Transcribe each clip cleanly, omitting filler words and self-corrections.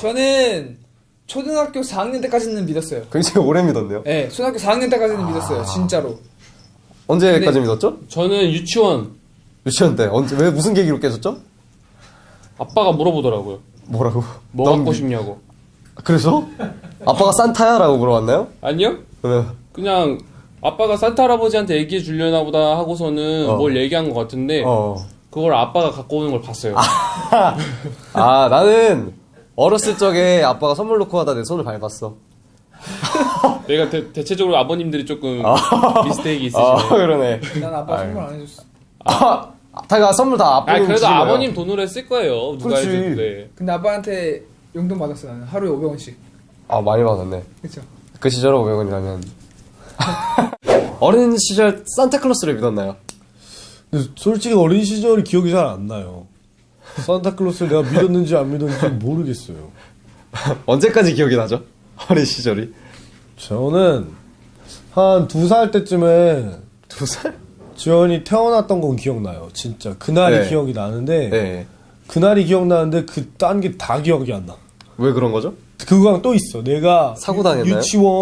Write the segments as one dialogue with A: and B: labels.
A: 저는 초등학교 4학년 때까지는 믿었어요.
B: 굉장히 오래 믿었네요.
A: 네, 초등학교 4학년 때까지는 믿었어요. 진짜로.
B: 언제까지
A: 근데-
B: 믿었죠?
C: 저는 유치원
B: 유치원 때. 언제, 왜 무슨 계기로 깨졌죠?
C: 아빠가 물어보더라고요.
B: 뭐라고?
C: 뭐
B: 넌
C: 갖고
B: 믿-
C: 싶냐고.
B: 그래서? 아빠가 산타야? 라고 물어봤나요?
C: 아니요?
B: 네.
C: 그냥 아빠가 산타 할아버지한테 얘기해 주려나 보다 하고서는 뭘 얘기한 것 같은데 그걸 아빠가 갖고 오는 걸 봤어요.
B: 아, 나는 어렸을 적에 아빠가 선물 놓고 하다 내 손을 밟았어.
C: 내가 대체적으로 아버님들이 조금 미스테이크 있으시네.
B: 그러네.
A: 난 아빠 선물 안 해줬어.
B: 다가 선물 다 아빠
C: 그래도 아버님 돈으로 했을 거예요. 누가
B: 그렇지.
C: 해줬는데.
A: 근데 아빠한테 용돈 받았어 나는. 하루에 500원씩.
B: 아, 많이 받았네.
A: 그쵸?
B: 그 시절에 500원이라면. 어린 시절 산타클로스를 믿었나요?
D: 근데 솔직히 어린 시절이 기억이 잘 안 나요. 산타클로스를 내가 믿었는지 안 믿었는지 모르겠어요.
B: 언제까지 기억이 나죠? 어린 시절이?
D: 저는 한 2살 때쯤에
B: 2살?
D: 지원이 태어났던 건 기억나요. 진짜 그날이
B: 네.
D: 기억이 나는데
B: 네.
D: 그날이 기억나는데 그 딴 게 다 기억이 안 나.
B: 왜 그런 거죠?
D: 그거랑 또 있어. 내가
B: 사고 당했나요?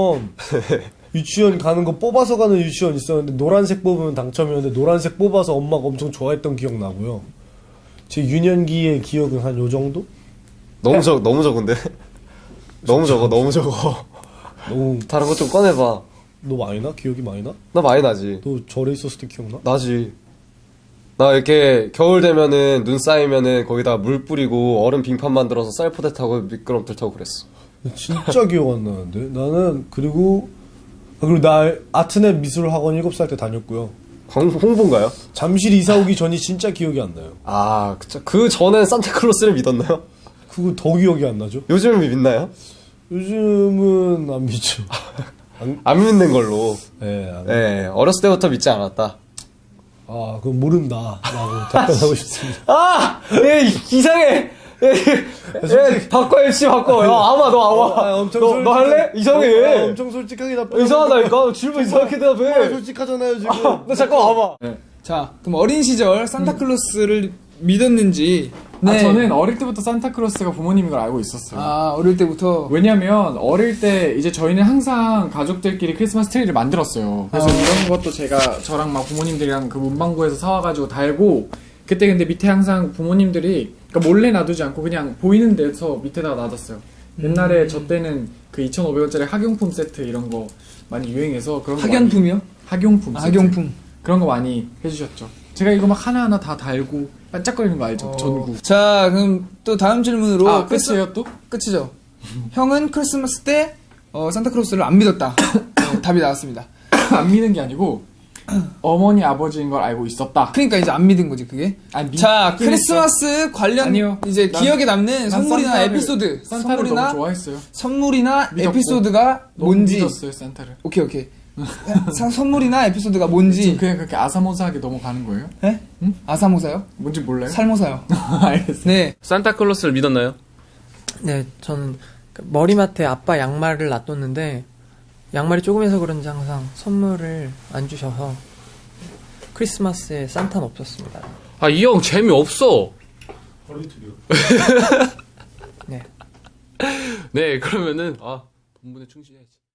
D: 유치원 가는 거 뽑아서 가는 유치원 있었는데 노란색 뽑으면 당첨이었는데 노란색 뽑아서 엄마가 엄청 좋아했던 기억 나고요. 제 유년기의 기억은 한 요 정도?
B: 너무 적은데? 너무 적어.
D: 너무
B: 다른 거 좀 꺼내봐.
D: 너 많이 나? 기억이 많이 나?
B: 나 많이 나지.
D: 너 절에 있었을 때 기억나?
B: 나지. 나 이렇게 겨울 되면은 눈 쌓이면은 거기다 물 뿌리고 얼음 빙판 만들어서 쌀포대 타고 미끄럼틀 타고 그랬어.
D: 진짜 기억 안 나는데 나는 그리고 나 아트넷 미술학원 7살 때 다녔고요.
B: 홍보인가요?
D: 잠실 이사 오기 전이 진짜 기억이 안 나요.
B: 아, 그쵸. 그 전엔 산타클로스를 믿었나요?
D: 그거 더 기억이 안 나죠?
B: 요즘은 믿나요?
D: 요즘은 안 믿죠.
B: 안 믿는 걸로.
D: 네, 안
B: 네, 어렸을 때부터 믿지 않았다.
D: 아, 그건 모른다. 라고 답변하고 싶습니다.
B: 아! 이상해! 바꿔, MC 바꿔. 야, 아마, 너 아마. 너 할래? 이상해.
D: 엄청 솔직하게 답변.
B: 이상하다니까? 질문 이상하게 대답해.
D: 솔직하잖아요, 지금.
B: 너 잠깐 와봐.
A: 자, 그럼 어린 시절 산타클로스를 믿었는지.
E: 아, 저는 어릴 때부터 산타클로스가 부모님인 걸 알고 있었어요.
A: 아, 어릴 때부터.
E: 왜냐면 어릴 때 이제 저희는 항상 가족들끼리 크리스마스 트리를 만들었어요. 그래서 이런 것도 제가 저랑 막 부모님들이랑 그 문방구에서 사와가지고 달고, 그때 근데 밑에 항상 부모님들이 그러니까 몰래 놔두지 않고 그냥 보이는 데서 밑에다가 놔뒀어요. 옛날에 저 때는 그 2,500원짜리 학용품 세트 이런 거 많이 유행해서 그런 거
A: 학연품이요?
E: 학용품 세트.
A: 학용품.
E: 그런 거 많이 해주셨죠. 제가 이거 막 하나하나 다 달고 반짝거리는 거 알죠? 전구.
A: 자, 그럼 또 다음 질문으로.
E: 아, 끝이에요 또?
A: 끝이죠. 형은 크리스마스 때 산타클로스를 안 믿었다. 답이 나왔습니다.
E: 안 믿는 게 아니고 어머니 아버지인 걸 알고 있었다.
A: 그러니까 이제 안 믿은 거지 그게. 자, 크리스마스 관련
E: 아니요.
A: 이제 기억에 남는 선물이나
E: 산타를-
A: 에피소드,
E: 산타를 너무 좋아했어요.
A: 선물이나
E: 믿었고,
A: 에피소드가
E: 너무
A: 뭔지.
E: 믿었어요 산타를.
A: 오케이. 선물이나 에피소드가 뭔지.
E: 지금 그냥 그렇게 아사모사하게 넘어가는 거예요?
A: 네?
E: 응?
A: 아사모사요?
E: 뭔지 몰라요?
A: 살모사요.
E: 알겠어요.
A: 네.
C: 산타클로스를 믿었나요?
F: 네, 저는 머리맡에 아빠 양말을 놔뒀는데 양말이 조금해서 그런지 항상 선물을 안 주셔서 크리스마스에 산타는 없었습니다.
C: 아, 이 형 재미없어.
F: 네.
C: 네, 그러면은 본분에 충실해야지.